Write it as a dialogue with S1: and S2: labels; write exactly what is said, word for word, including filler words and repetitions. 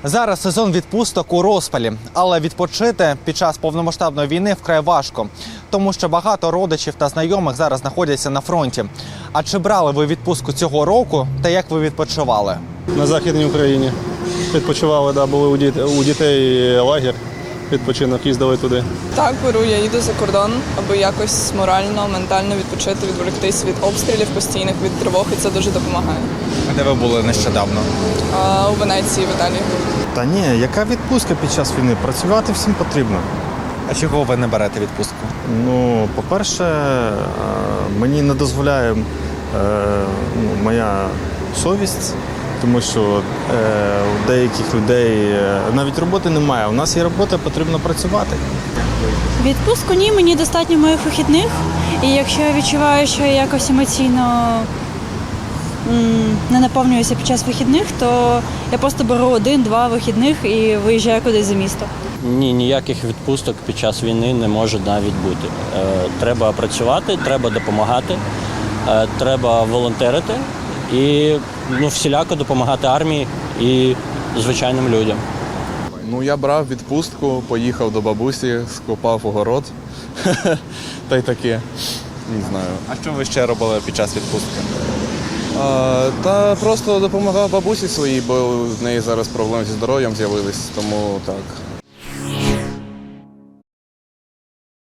S1: Зараз сезон відпусток у розпалі, але відпочити під час повномасштабної війни вкрай важко, тому що багато родичів та знайомих зараз знаходяться на фронті. А чи брали ви відпустку цього року та як ви відпочивали?
S2: На Західній Україні. Відпочивали, да, були у дітей, у дітей лагерь, відпочинок, їздили туди.
S3: Так, беру, я їду за кордон, аби якось морально, ментально відпочити, відволіктись від обстрілів постійних, від тривог, і це дуже допомагає.
S1: А де ви були нещодавно?
S3: А у Венеції, в Італії.
S4: Та ні, яка відпустка під час війни? Працювати всім потрібно.
S1: А чого ви не берете відпустку?
S4: Ну, по-перше, е, мені не дозволяє е, ну, моя совість, тому що е, у деяких людей е, навіть роботи немає. У нас є робота, потрібно працювати.
S5: Відпустку ні, мені достатньо моїх вихідних. І якщо я відчуваю, що я якось емоційно м, не наповнююся під час вихідних, то я просто беру один-два вихідних і виїжджаю кудись за місто.
S6: Ні, ніяких відпусток під час війни не може навіть бути. Е, треба працювати, треба допомагати, е, треба волонтерити і ну, всіляко допомагати армії і звичайним людям.
S7: Ну, я брав відпустку, поїхав до бабусі, скопав огород, та й таке, не знаю.
S1: А що ви ще робили під час відпустки?
S7: А, та просто допомагав бабусі своїй, бо в неї зараз проблеми зі здоров'ям з'явились, тому так.